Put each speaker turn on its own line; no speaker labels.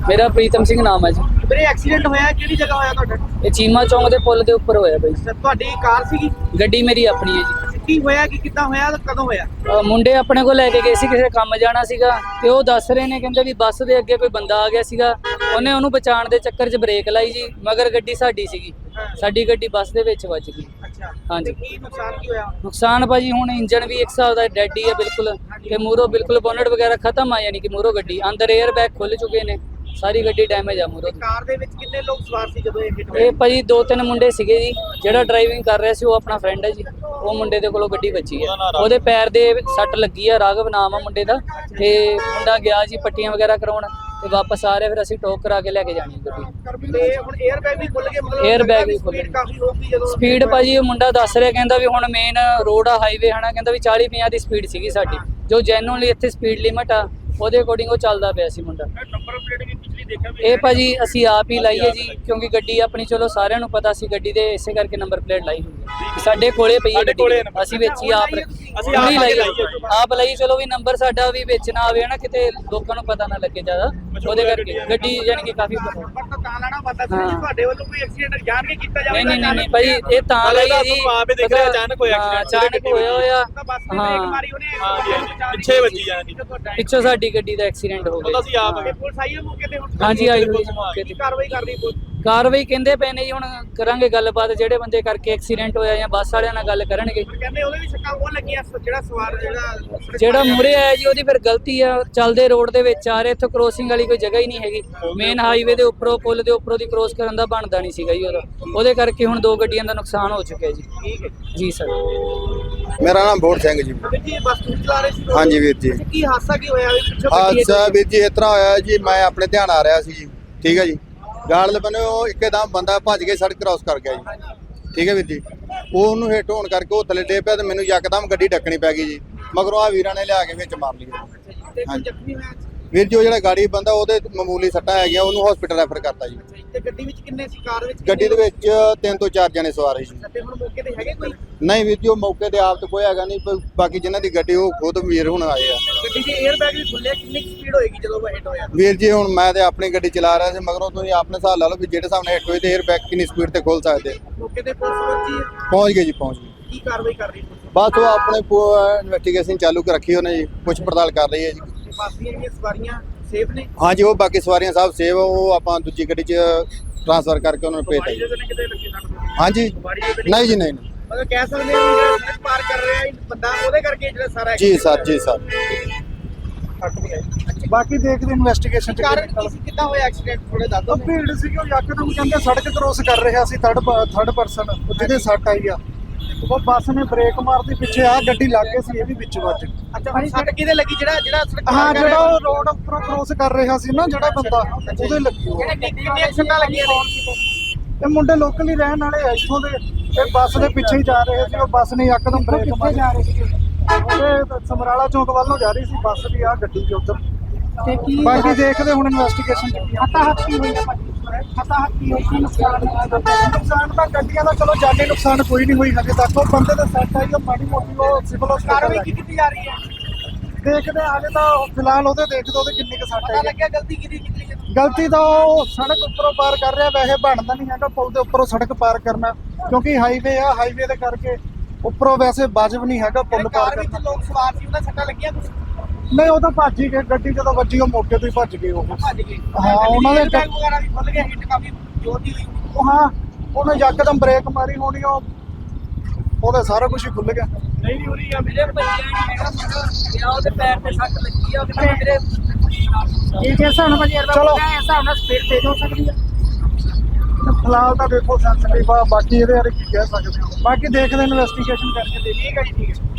ਮੇਰਾ ਪ੍ਰੀਤਮ ਸਿੰਘ ਨਾਮ ਹੈ ਜੀ।
ਵੀਰੇ ਐਕਸੀਡੈਂਟ ਹੋਇਆ ਕਿਹੜੀ ਜਗ੍ਹਾ ਹੋਇਆ ਤੁਹਾਡਾ?
ਇਹ ਚੀਮਾ ਚੌਂਕ ਦੇ ਪੁਲ ਦੇ ਉੱਪਰ ਹੋਇਆ ਬਾਈ।
ਤੁਹਾਡੀ ਕਾਰ ਸੀਗੀ?
ਗੱਡੀ ਮੇਰੀ ਆਪਣੀ ਹੈ ਜੀ।
ਕੀ ਹੋਇਆ ਕਿ ਕਿੱਦਾਂ ਹੋਇਆ ਤੇ ਕਦੋਂ ਹੋਇਆ?
ਮੁੰਡੇ ਆਪਣੇ ਕੋਲ ਲੈ ਕੇ ਗਏ ਸੀ, ਕਿਸੇ ਕੰਮ ਜਾਣਾ ਸੀਗਾ ਤੇ ਉਹ ਦੱਸ ਰਹੇ ਨੇ, ਕਹਿੰਦੇ ਵੀ ਬੱਸ ਦੇ ਅੱਗੇ ਕੋਈ ਬੰਦਾ ਆ ਗਿਆ ਸੀਗਾ, ਉਹਨੇ ਉਹਨੂੰ ਬਚਾਉਣ ਦੇ ਚੱਕਰ 'ਚ ਬ੍ਰੇਕ ਲਾਈ ਜੀ, ਮਗਰ ਗੱਡੀ ਸਾਡੀ ਸੀਗੀ, ਸਾਡੀ ਗੱਡੀ ਬੱਸ ਦੇ ਵਿੱਚ ਵੱਜ ਗਈ।
ਅੱਛਾ,
ਹਾਂਜੀ।
ਕੀ ਨੁਕਸਾਨ ਕੀ ਹੋਇਆ?
ਨੁਕਸਾਨ ਭਾਜੀ ਹੁਣ ਇੰਜਨ ਵੀ ਇੱਕ ਹਿਸਾਬ ਦਾ ਡੈਡ ਹੀ ਹੈ ਬਿਲਕੁਲ, ਤੇ ਮੂਹਰੋਂ ਬਿਲਕੁਲ ਬੋਨਟ ਵਗੈਰਾ ਖਤਮ ਆ, ਯਾਨੀ ਕਿ ਮੂਹਰੋਂ ਗੱਡੀ ਅੰਦਰ 에ਅਰ ਬੈਗ ਖੁੱਲ ਚੁੱਕੇ ਨੇ, ਸਾਰੀ ਗੱਡੀ ਡੈਮੇਜ ਆ ਮੂਹਰੋਂ।
ਕਾਰ ਦੇ ਵਿੱਚ ਕਿੰਨੇ ਲੋਕ ਸਵਾਰ ਸੀ ਜਦੋਂ ਇਹ ਹਿੱਟ ਹੋਇਆ?
ਇਹ ਭਾਜੀ 2-3 ਮੁੰਡੇ ਸੀਗੇ ਜੀ। ਜਿਹੜਾ ਡਰਾਈਵਿੰਗ ਕਰ ਰਿਹਾ ਸੀ ਉਹ ਆਪਣਾ ਫਰੈਂਡ ਹੈ ਜੀ, ਉਹ ਮੁੰਡੇ ਦੇ ਕੋਲੋਂ ਗੱਡੀ ਵੱਜੀ ਹੈ, ਉਹਦੇ ਪੈਰ ਦੇ ਸੱਟ ਲੱਗੀ ਆ, ਰਾਘਵ ਨਾਮ ਆ ਮੁੰਡੇ ਦਾ, ਤੇ ਮੁੰਡਾ ਗਿਆ ਜੀ ਪੱਟੀਆਂ ਵਗੈਰਾ ਕਰਾਉਣ ਤੇ ਵਾਪਸ ਆ ਰਿਹਾ, ਫਿਰ ਅਸੀਂ ਟੋਕ ਕਰਾ ਕੇ ਲੈ ਕੇ ਜਾਣੀ ਗੱਡੀ।
ਤੇ ਹੁਣ 에ਅਰ ਬੈਗ ਵੀ ਖੁੱਲ ਗਏ? ਮਤਲਬ
에ਅਰ ਬੈਗ ਵੀ ਖੁੱਲ ਗਏ।
ਕਾਫੀ ਹੋਊਗੀ ਜਦੋਂ
ਸਪੀਡ ਭਾਜੀ ਉਹ ਮੁੰਡਾ ਦੱਸ ਰਿਹਾ, ਕਹਿੰਦਾ ਵੀ ਹੁਣ ਮੇਨ ਰੋਡ ਆ, ਹਾਈਵੇ ਹਨਾ, ਕਹਿੰਦਾ ਵੀ 40-50 ਦੀ ਸਪੀਡ ਸੀਗੀ ਸਾਡੀ, ਜੋ ਜੈਨੂਅਲੀ ਇੱਥੇ ਸਪੀਡ ਲਿਮਟ ਆ ਉਹਦੇ ਅਕੋਰਡਿੰਗ ਉਹ ਚੱਲਦਾ ਪਿਆ ਸੀ ਮੁੰਡਾ।
ਨੰਬਰ ਪਲੇਟ ਵੀ ਪਿਛਲੀ ਦੇਖਿਆ
ਇਹ ਭਾਜੀ ਅਸੀਂ ਆਪ ਹੀ ਲਾਈ ਹੈ ਜੀ, ਕਿਉਂਕਿ ਗੱਡੀ ਆਪਣੀ ਚਲੋ ਸਾਰਿਆਂ ਨੂੰ ਪਤਾ ਸੀ ਗੱਡੀ ਦੇ, ਇਸੇ ਕਰਕੇ ਨੰਬਰ ਪਲੇਟ ਲਾਈ ਹੋਈ ਹੈ। ਸਾਡੇ ਕੋਲੇ ਪਈ ਹੈ ਗੱਡੀ, ਅਸੀਂ ਵਿੱਚ ਹੀ ਆਪ ਹੀ ਲਾਈ, ਆਪ ਲਈ। ਚਲੋ ਵੀ ਨੰਬਰ ਸਾਡਾ ਵੀ ਵਿੱਚ ਨਾ ਆਵੇ ਨਾ, ਕਿਤੇ ਲੋਕਾਂ ਨੂੰ ਪਤਾ ਨਾ ਲੱਗੇ ਜ਼ਿਆਦਾ, ਉਹਦੇ ਕਰਕੇ ਗੱਡੀ ਯਾਨੀ ਕਿ ਕਾਫੀ
ਤਾਂ ਲਾਣਾ ਪਤਾ ਸੀ ਤੁਹਾਡੇ ਵੱਲੋਂ ਕੋਈ ਐਕਸੀਡੈਂਟ ਜਾਣ ਕੇ ਕੀਤਾ ਜਾਵੇ?
ਨਹੀਂ ਭਾਈ, ਇਹ ਤਾਂ ਲਈ ਹੈ ਜੀ,
ਅਚਾਨਕ ਹੋਇਆ
ਹੋਇਆ।
ਹਾਂ, ਪਿੱਛੇ ਵੱਜੀ ਜਾਣੀ,
ਪਿੱਛੋਂ ਸਾਡੀ ਗੱਡੀ ਦਾ ਐਕਸੀਡੈਂਟ ਹੋ ਗਿਆ।
ਅਸੀਂ ਆਪ ਪੁਲਿਸ ਆਈ ਹੈ ਮੌਕੇ ਤੇ? ਹੁਣ
ਹਾਂਜੀ ਆਈ ਹੋਈ ਮੌਕੇ ਤੇ।
ਕਾਰਵਾਈ ਕਰ ਰਹੀ ਪੁਲਿਸ?
ਕਾਰਵਾਈ ਕਹਿੰਦੇ ਪਏ ਨੇ ਜੀ, ਹੁਣ ਕਰਾਂਗੇ ਗੱਲਬਾਤ, ਜਿਹੜੇ ਬੰਦੇ ਕਰਕੇ ਐਕਸੀਡੈਂਟ ਹੋਇਆ ਜਾਂ ਬੱਸ ਵਾਲਿਆਂ ਨਾਲ ਗੱਲ ਕਰਨਗੇ।
ਕਹਿੰਦੇ ਉਹਦੇ ਵੀ ਸੱਟਾਂ ਉਹ ਲੱਗੀਆਂ, ਜਿਹੜਾ ਸਵਾਰ
ਜਿਹੜਾ ਮੂਹਰੇ ਆਇਆ ਜੀ ਉਹਦੀ ਫਿਰ ਗਲਤੀ ਆ, ਚੱਲਦੇ ਰੋਡ ਦੇ ਵਿੱਚ ਆ ਰਹੇ, ਇੱਥੋਂ ਕ੍ਰੋਸਿੰਗ ਵਾਲੀ ਕੋਈ ਜਗ੍ਹਾ ਹੀ ਨਹੀਂ ਹੈਗੀ, ਮੇਨ ਹਾਈਵੇ ਦੇ ਉੱਪਰੋਂ ਪੁਲ ਦੇ ਉੱਪਰੋਂ ਦੀ ਕ੍ਰੋਸ ਕਰਨ ਦਾ ਬਣਦਾ ਨਹੀਂ ਸੀਗਾ ਜੀ ਉਹਦੇ ਕਰਕੇ ਹੁਣ 2 ਗੱਡੀਆਂ ਦਾ ਨੁਕਸਾਨ ਹੋ ਚੁੱਕਿਆ ਜੀ।
ਠੀਕ ਹੈ
ਜੀ ਸਰ।
ਮੇਰਾ ਨਾਮ ਬੋੜ ਸਿੰਘ ਜੀ।
ਵੀਰ ਜੀ ਬੱਸ ਤੁਸੀਂ ਚਲਾ ਰਹੇ ਸੀ?
ਹਾਂਜੀ ਵੀਰ ਜੀ।
ਕੀ ਹਾਦਸਾ ਕੀ ਹੋਇਆ? ਵੀ ਪਿੱਛੋਂ ਗੱਡੀ
ਹਾਦਸਾ ਵੀਰ ਜੀ ਇਸ ਤਰ੍ਹਾਂ ਹੋਇਆ ਜੀ, ਮੈਂ ਆਪਣੇ ਧਿਆਨ ਆ ਰਿਹਾ ਸੀ ਜੀ, ਠੀਕ ਹੈ ਜੀ, ਗਾਲ ਬੰਨੇ ਉਹ ਇੱਕਦਮ ਬੰਦਾ ਭੱਜ ਕੇ ਸੜਕ ਕ੍ਰਾਸ ਕਰ ਗਿਆ ਜੀ, ਠੀਕ ਹੈ ਵੀਰ ਜੀ। ਉਹ ਉਹਨੂੰ ਹਿੱਟ ਹੋਣ ਕਰਕੇ ਉਹ ਥੱਲੇ ਡੇ ਪਿਆ ਤੇ ਮੈਨੂੰ ਯਕਦਮ ਗੱਡੀ ਡੱਕਣੀ ਪੈ ਗਈ ਜੀ, ਮਗਰੋਂ ਆ ਵੀਰਾਂ ਨੇ ਲਿਆ ਕੇ ਵਿੱਚ ਮਾਰ ਲਈ।
ਜ਼ਖਮੀ ਹੋਇਆ
ਵੀਰ ਜੀ ਉਹ ਜਿਹੜਾ ਗਾੜੀ ਬੰਦਾ ਉਹਦੇ ਮਾਮੂਲੀ ਸੱਟਾਂ ਹੈਗੀਆਂ, ਉਹਨੂੰ ਹਸਪੀਟਲ ਰੈਫਰ ਕਰਤਾ ਜੀ।
ਤੇ ਗੱਡੀ ਵਿੱਚ ਕਿੰਨੇ ਸੀ? ਕਾਰ ਵਿੱਚ
ਗੱਡੀ ਦੇ ਵਿੱਚ 3 ਤੋਂ 4 ਜਣੇ ਸਵਾਰ ਸੀ ਜੀ।
ਤੇ ਹੁਣ ਮੌਕੇ ਤੇ ਹੈਗੇ ਕੋਈ?
ਨਹੀਂ ਵੀਰ ਜੀ ਉਹ ਮੌਕੇ ਤੇ ਆਪ ਤਾਂ ਕੋਈ ਹੈਗਾ ਨਹੀਂ, ਬਾਕੀ ਜਿਨ੍ਹਾਂ ਦੀ ਗੱਡੀ ਉਹ ਖੁਦ ਵੀਰ ਹੁਣ ਆਏ ਆ।
ਗੱਡੀ ਦੇ 에ਅਰ ਬੈਗ ਵੀ ਖੁੱਲੇ, ਕਿੰਨੀ ਸਪੀਡ ਹੋਏਗੀ ਜਦੋਂ ਉਹ ਹਿੱਟ ਹੋਇਆ?
ਵੀਰ ਜੀ ਹੁਣ ਮੈਂ ਤੇ ਆਪਣੀ ਗੱਡੀ ਚਲਾ ਰਿਹਾ ਸੀ, ਮਗਰੋਂ ਤੁਸੀਂ ਆਪਣੇ ਹਿਸਾਬ ਲਾ ਲਓ ਵੀ ਜਿਹੜੇ ਹਿਸਾਬ ਨਾਲ ਹਿੱਟ ਹੋਈ ਤੇ 에ਅਰ ਬੈਗ ਕਿੰਨੀ ਸਪੀਡ ਤੇ ਖੋਲ ਸਕਦੇ।
ਮੌਕੇ ਤੇ ਪੁਲਿਸ ਪਹੁੰਚੀ?
ਪਹੁੰਚ ਗਏ ਜੀ, ਪਹੁੰਚ ਗਏ।
ਕੀ ਕਾਰਵਾਈ ਕਰ ਰਹੀ ਪੁਲਿਸ?
ਬਸ ਉਹ ਆਪਣੇ ਇਨਵੈਸਟੀਗੇਸ਼ਨ ਚਾਲੂ ਰੱਖੀ ਉਹਨੇ ਜੀ, ਪੁੱਛ ਪੜਤਾਲ ਕਰ ਰਹੀ ਹੈ ਜੀ।
ਬੱਸ ਦੀਆਂ ਜਿਹੜੀਆਂ ਸਵਾਰੀਆਂ ਸੇਫ ਨੇ?
ਹਾਂਜੀ ਉਹ ਬਾਕੀ ਸਵਾਰੀਆਂ ਸਭ ਸੇਵ, ਉਹ ਆਪਾਂ ਦੂਜੀ ਗੱਡੀ 'ਚ ਟ੍ਰਾਂਸਫਰ ਕਰਕੇ ਉਹਨਾਂ ਨੂੰ ਭੇਜਤਾ ਜੀ। ਹਾਂਜੀ ਨਹੀਂ ਜੀ, ਨਹੀਂ
ਮਤਲਬ ਕਹਿ ਸਕਦੇ ਹਾਂ ਜਿਹੜਾ ਸੜਕ ਪਾਰ ਕਰ ਰਿਹਾ ਹੈ ਬੰਦਾ, ਉਹਦੇ ਕਰਕੇ ਜਿਹੜਾ ਸਾਰਾ
ਜੀ ਸਰ, ਜੀ ਸਰ।
ਬਾਕੀ ਦੇਖਦੇ ਇਨਵੈਸਟੀਗੇਸ਼ਨ ਚ
ਕਾਰਨ ਕੀ ਸੀ, ਕਿੱਦਾਂ ਹੋਇਆ ਐਕਸੀਡੈਂਟ? ਥੋੜੇ ਦੱਸ ਦਿਓ।
ਉਹ ਭੀੜ ਸੀ ਕਿ ਉਹ ਯਕਦਮ ਕਹਿੰਦੇ ਸੜਕ ਕ੍ਰੋਸ ਕਰ ਰਿਹਾ ਸੀ, ਥਰਡ ਪਰਸਨ, ਜਿਹਦੇ ਸੱਟ ਆਈ ਆ, ਉਹ ਬੱਸ ਨੇ ਬ੍ਰੇਕ ਮਾਰਦੀ, ਪਿੱਛੇ ਆ ਗੱਡੀ ਲੱਗ ਗਈ ਸੀ, ਇਹ ਵੀ ਵਿੱਚ ਵੱਜ ਗਈ।
ਅੱਛਾ, ਹੁਣ ਸੜਕ ਕਿਹਦੇ ਲੱਗੀ? ਜਿਹੜਾ ਸੜਕ ਪਾਰ
ਹਾਂ,
ਕਰ
ਜਿਹੜਾ
ਰਿਹਾ?
ਉਹ ਰੋਡ ਉੱਪਰੋਂ ਕ੍ਰੋਸ ਕਰ ਰਿਹਾ ਸੀ ਨਾ ਜਿਹੜਾ ਬੰਦਾ, ਉਹਦੇ ਲੱਗੀ ਉਹ।
ਕਿੰਨੀਆਂ ਸੱਟਾਂ ਲੱਗੀਆਂ ਨੇ?
ਇਹ ਮੁੰਡੇ ਲੋਕਲ ਹੀ ਰਹਿਣ ਵਾਲੇ ਆ ਇੱਥੋਂ ਦੇ, ਇਹ ਬੱਸ ਦੇ ਪਿੱਛੇ ਹੀ ਜਾ ਰਹੇ ਸੀ, ਉਹ ਬੱਸ ਨੇ ਯਕਦਮ ਬ੍ਰੇਕ ਮਾਰੀ। ਜਾ ਰਹੇ ਸੀ ਉਹਦੇ ਸਮਰਾਲਾ ਚੌਂਕ ਵੱਲ ਨੂੰ ਜਾ ਰਹੀ ਸੀ ਬੱਸ ਵੀ, ਆ ਗੱਡੀ ਵੀ ਉੱਧਰ। ਬਾਕੀ ਦੇਖਦੇ ਹੁਣ ਇਨਵੈਸਟੀਗੇਸ਼ਨ ਚ ਕੀ ਹੱਤੀ ਹੋਈ ਹੈ। ਹੱਤੀ ਹੋਈ ਸੀ ਨੁਕਸਾਨ ਤਾਂ ਗੱਡੀਆਂ ਦਾ ਚਲੋ ਜਾਨੀ ਨੁਕਸਾਨ ਕੋਈ ਨਹੀਂ ਹੋਈ ਹਜੇ ਤੱਕ, ਉਹ ਬੰਦੇ ਦਾ ਸੱਟ ਆਈ ਉਹ ਮਾੜੀ ਮੋਟੀ ਉਹ ਸਿਵਲ
ਕਾਰਵਾਈ ਕੀ ਕੀਤੀ ਜਾ ਰਹੀ ਹੈ?
ਦੇਖਦੇ ਹਾਲੇ ਤਾਂ ਫਿਲਹਾਲ ਉਹਦੇ ਦੇਖਦੇ ਉਹਦੇ ਕਿੰਨੀ ਕੁ ਸੱਟ
ਪਤਾ
ਆਈ।
ਲੱਗਿਆ ਗਲਤੀ ਕਿਹਦੀ ਕੀਤੀ ਹੈ?
ਗਲਤੀ ਤਾਂ ਉਹ ਸੜਕ ਉੱਪਰੋਂ ਪਾਰ ਕਰ ਰਿਹਾ, ਵੈਸੇ ਬਣਦਾ ਨਹੀਂ ਹੈਗਾ ਪੁਲ ਦੇ ਉੱਪਰੋਂ ਸੜਕ ਪਾਰ ਕਰਨਾ, ਕਿਉਂਕਿ ਹਾਈਵੇ ਆ, ਹਾਈਵੇ ਦੇ ਕਰਕੇ ਉੱਪਰੋਂ ਵੈਸੇ ਵਾਜਬ ਨਹੀਂ ਹੈਗਾ ਪੁਲ ਪਾਰ
ਕਾਰ ਵਿੱਚ
ਕਰਨਾ।
ਲੋਕ ਸਵਾਰ ਸੀ, ਉਹਨਾਂ ਸੱਟਾਂ ਲੱਗੀਆਂ ਕੁਝ?
ਨਹੀਂ ਉਹ ਤਾਂ ਭੱਜ ਹੀ ਗਏ, ਗੱਡੀ ਜਦੋਂ ਵੱਜੀ ਉਹ ਮੌਕੇ ਤੋਂ ਹੀ ਭੱਜ ਗਏ ਉਹ।
ਭੱਜ ਗਏ?
ਹਾਂ, ਉਹਨਾਂ ਦੇ
ਬੈਗ ਵਗੈਰਾ ਵੀ ਖੁੱਲ ਗਏ, ਹਿੱਟ ਕਾਫੀ ਜ਼ੋਰ ਦੀ ਹੋਈ?
ਉਹ ਹਾਂ, ਉਹਨੇ ਯਕਦਮ ਬ੍ਰੇਕ ਮਾਰੀ ਹੋਣੀ, ਉਹਦਾ ਸਾਰਾ ਕੁਝ ਹੀ ਖੁੱਲ ਗਿਆ।
ਨਹੀਂ ਹੋ ਰਹੀ ਆ
ਮੇਰੇ ਭਈਆ ਨੇ ਉਹਦੇ ਪੈਰ ਤੇ ਸੱਟ ਲੱਗੀ ਆ, ਉਹਦੇ ਮੇਰੇ
ਇਹ ਜੇ ਹਿਸਾਬ ਨਾਲ ਭਾਜੀ
ਚਲੋ।
ਇਸ ਹਿਸਾਬ ਨਾਲ ਸਪੀਡ ਤੇਜ਼ ਹੋ ਸਕਦੀ ਹੈ।
ਫਿਲਹਾਲ ਤਾਂ ਦੇਖੋ ਸੈਂਸਿਟਿਵ ਆ, ਬਾਕੀ ਇਹਦੇ ਬਾਰੇ ਕੀ ਕਹਿ ਸਕਦੇ ਹਾਂ, ਬਾਕੀ ਦੇਖਦੇ ਇਨਵੈਸਟੀਗੇਸ਼ਨ ਕਰਕੇ।
ਠੀਕ ਹੈ ਜੀ, ਠੀਕ ਹੈ।